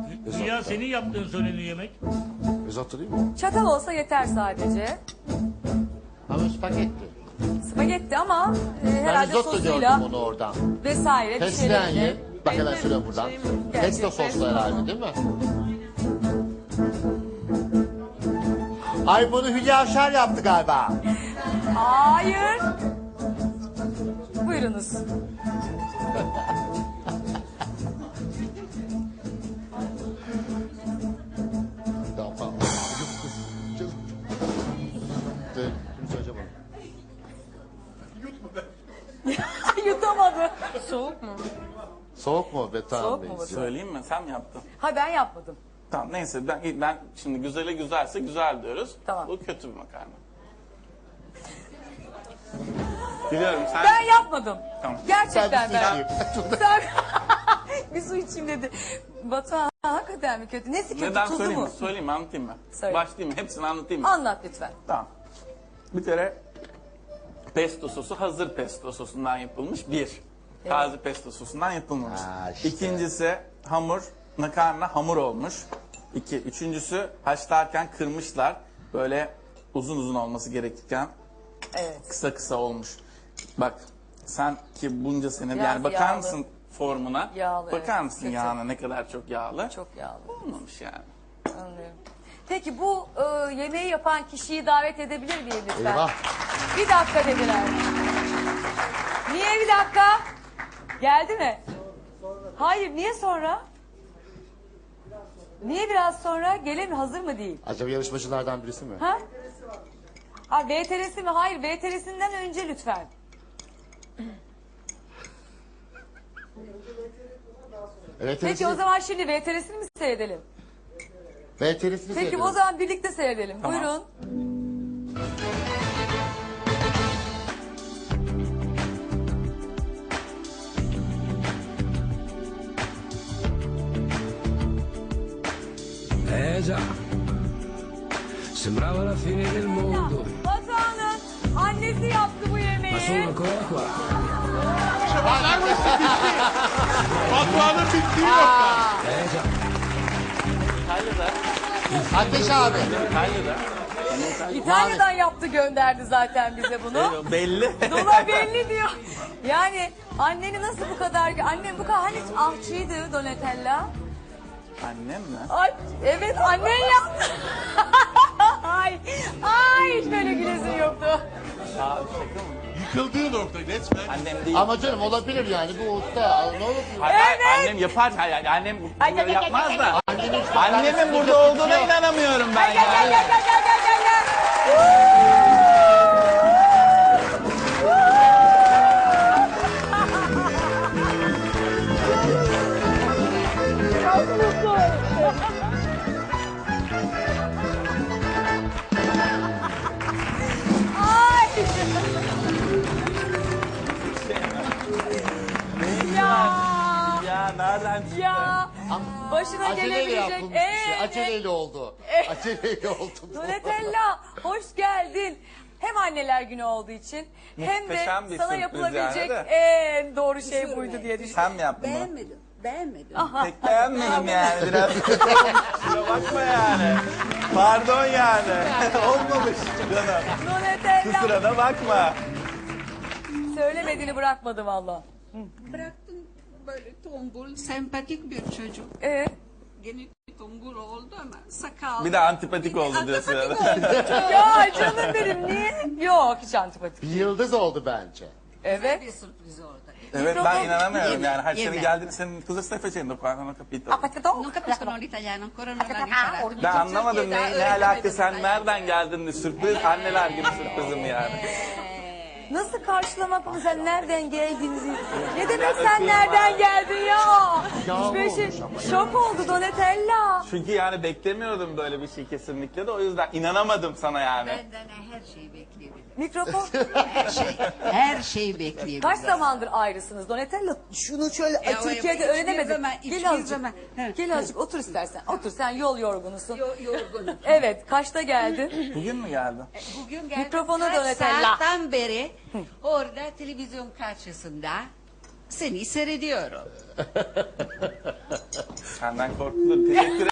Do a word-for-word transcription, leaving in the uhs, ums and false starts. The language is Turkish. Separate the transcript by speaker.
Speaker 1: Ya senin yaptığın söyleniyor yemek.
Speaker 2: Risotto değil mi?
Speaker 3: Çatal olsa yeter sadece.
Speaker 2: Ama spagetti.
Speaker 3: Spagetti ama e,
Speaker 2: Ben
Speaker 3: herhalde
Speaker 2: risotto gördüm
Speaker 3: sosuyla
Speaker 2: onu oradan.
Speaker 3: vesaire bir
Speaker 2: Fesleğen
Speaker 3: şeylerle.
Speaker 2: ye. Bak hemen söylüyorum buradan. Pesto soslu herhalde değil mi? Ay bunu Hülya Avşar yaptı galiba.
Speaker 3: Hayır. Buyurunuz.
Speaker 2: Tamam. Kimse acaba?
Speaker 3: Yutamadı.
Speaker 4: Soğuk mu?
Speaker 2: Soğuk mu be tamam
Speaker 3: Soğuk mu
Speaker 2: neyse.
Speaker 5: Söyleyeyim mi? Sen mi yaptın?
Speaker 3: Ha ben yapmadım.
Speaker 5: Tamam neyse ben, ben şimdi güzele güzelse güzel diyoruz.
Speaker 3: Tamam.
Speaker 5: Bu kötü bir makarna. Biliyorum sen...
Speaker 3: Ben yapmadım.
Speaker 5: Tamam.
Speaker 3: Gerçekten
Speaker 2: Sen bir
Speaker 3: ben.
Speaker 2: su içeyim.
Speaker 3: Sen bir su içeyim dedi. Batuhan hakikaten mi kötü? Nesi kötü?
Speaker 5: Neden
Speaker 3: Tuzu
Speaker 5: söyleyeyim
Speaker 3: mu?
Speaker 5: mi? Söyleyeyim mi? Anlatayım mı?
Speaker 3: Söyle.
Speaker 5: Başlayayım mı? Hepsini anlatayım mı?
Speaker 3: Anlat lütfen.
Speaker 5: Tamam. Bir kere pesto sosu hazır pesto sosundan yapılmış bir. Taze pesto sosundan yapılmamış.
Speaker 2: Ha, işte.
Speaker 5: İkincisi hamur, makarna hamur olmuş. İki. Üçüncüsü haşlarken kırmışlar. Böyle uzun uzun olması gerekirken
Speaker 3: Evet.
Speaker 5: kısa kısa olmuş. Bak sen ki bunca senin
Speaker 3: Biraz
Speaker 5: yani bakar
Speaker 3: yağlı.
Speaker 5: mısın formuna?
Speaker 3: Yağlı,
Speaker 5: bakar
Speaker 3: evet.
Speaker 5: mısın
Speaker 3: Kötü.
Speaker 5: yağına ne kadar çok yağlı?
Speaker 3: Çok yağlı.
Speaker 5: Olmamış yani.
Speaker 3: Anlıyorum. Peki bu e, yemeği yapan kişiyi davet edebilir miyim lütfen?
Speaker 2: Eyvah.
Speaker 3: Bir dakika dediler. Niye bir dakika? Geldi mi? Hayır, niye sonra? Niye biraz sonra? Gelir mi? Hazır mı değil?
Speaker 2: Acaba yarışmacılardan birisi mi?
Speaker 3: Ha? Ha V T R'si mi? Hayır, V T R'sinden önce lütfen.
Speaker 2: Evet,
Speaker 3: Peki o zaman şimdi V T R'sini mi seyredelim?
Speaker 2: V T R'sini
Speaker 3: Peki o zaman birlikte seyredelim.
Speaker 5: Tamam.
Speaker 3: Buyurun.
Speaker 6: Eh già, sembrava la fine del mondo,
Speaker 3: Batuhan'ın annesi yaptı bu yemeği.
Speaker 6: ma sono ancora qua.
Speaker 1: Batuhan'ın bittiği nokta.
Speaker 6: Eh già,
Speaker 5: İtalya'da,
Speaker 2: Ateş abi.
Speaker 5: İtalya'da.
Speaker 3: İtalya'dan yaptı gönderdi zaten bize bunu.
Speaker 5: Belli.
Speaker 3: Dola belli diyor. Yani anneni nasıl bu kadar... Annem bu kadar hani ahçıydı Donatella.
Speaker 5: Annem mi?
Speaker 3: Ay evet annen yaptı. ay, ay hiç böyle gülesin yoktu.
Speaker 5: Aa, şaka mı?
Speaker 1: Yıkıldığı nokta resmen.
Speaker 5: Annem değil.
Speaker 2: Ama canım olabilir yani bu usta. Ne olur?
Speaker 5: Hayır, hayır,
Speaker 3: Evet.
Speaker 5: annem yapar. Hayır, annem
Speaker 3: Ay,
Speaker 5: bunları
Speaker 3: gel, gel,
Speaker 5: yapmaz
Speaker 3: gel,
Speaker 5: da.
Speaker 2: Annemin hiç
Speaker 5: Annemin
Speaker 2: makarnasını
Speaker 5: burada
Speaker 2: yapıp
Speaker 5: olduğuna
Speaker 2: yok.
Speaker 5: inanamıyorum ben
Speaker 3: Gel gel
Speaker 5: ya.
Speaker 3: gel gel gel gel gel gel. Çok mutlu. Ay. ya.
Speaker 5: Ya nereden çıktı?
Speaker 3: Ya. Başına
Speaker 2: Aceleyle
Speaker 3: gelebilecek.
Speaker 2: yapılmış bir şey.
Speaker 3: Evet.
Speaker 2: Aceleyle oldu. Aceleyle oldu. bu.
Speaker 3: Donatella hoş geldin. Hem anneler günü olduğu için hem de
Speaker 5: Muhteşem bir
Speaker 3: sana
Speaker 5: sürpriz
Speaker 3: yapılabilecek
Speaker 5: yani de.
Speaker 3: en doğru şey buydu diye düşünüyorum.
Speaker 5: Sen mi yaptın bunu?
Speaker 4: Beğenmedim. Beğenmedim.
Speaker 5: Pek beğenmedim yani biraz. Kusura bakma yani. Pardon yani. Olmamış canım.
Speaker 3: Donatella
Speaker 5: Kusura da bakma.
Speaker 3: söylemediğini bırakmadı valla.
Speaker 4: Bıraktım böyle tombul, sempatik bir çocuk.
Speaker 3: Ee,
Speaker 4: Gene tombul oldu ama sakal.
Speaker 5: Bir de antipatik oldu diyorsun.
Speaker 4: Antipatik
Speaker 5: yani.
Speaker 4: oldu.
Speaker 3: ya canım benim niye? Yok hiç antipatik.
Speaker 2: Bir yıldız oldu bence.
Speaker 3: Evet.
Speaker 4: Bir sürpriz orada.
Speaker 5: Evet ben
Speaker 3: Mikrofon-
Speaker 5: inanamıyorum
Speaker 4: Yeme,
Speaker 5: yani. Hayır senin
Speaker 4: yeme.
Speaker 5: geldiğini senin cosa stai facendo qua? Non ho capito.
Speaker 4: Non capiscono l'italiano, ancora non hanno imparato.
Speaker 5: Ben anlamadım ne, ne alaka
Speaker 4: öğrenemedim.
Speaker 5: sen nereden geldin de sürpriz anneler günü sürprizim yani.
Speaker 3: Nasıl karşılamak mı sen nereden geldin diye. Ne demek sen nereden geldin ya?
Speaker 2: Ya
Speaker 3: Hiçbir şey,
Speaker 2: olmuş ama.
Speaker 3: şok oldu Donatella.
Speaker 5: Çünkü yani beklemiyordum böyle bir şey kesinlikle de o yüzden inanamadım sana yani.
Speaker 4: Benden her şeyi bekleyebilirim.
Speaker 3: Mikrofon.
Speaker 4: Her şey, her şeyi bekleyebilirim.
Speaker 3: Kaç zamandır ayrısınız Donatella? Şunu şöyle
Speaker 4: Ya,
Speaker 3: Türkiye'de
Speaker 4: hiçbir
Speaker 3: öğrenemedik.
Speaker 4: zaman, hiçbir
Speaker 3: Gel azıcık.
Speaker 4: zaman. Evet.
Speaker 3: Gel azıcık otur istersen. Otur sen yol yorgunusun.
Speaker 4: Yo- yorgunum.
Speaker 3: Evet kaçta geldin?
Speaker 5: Bugün mü geldin?
Speaker 4: Bugün geldim
Speaker 3: Mikrofonu
Speaker 4: kaç
Speaker 3: Donatella.
Speaker 4: saatten beri orada televizyon karşısında Seni seyrediyorum.
Speaker 5: Senden korkulur. Teşekkür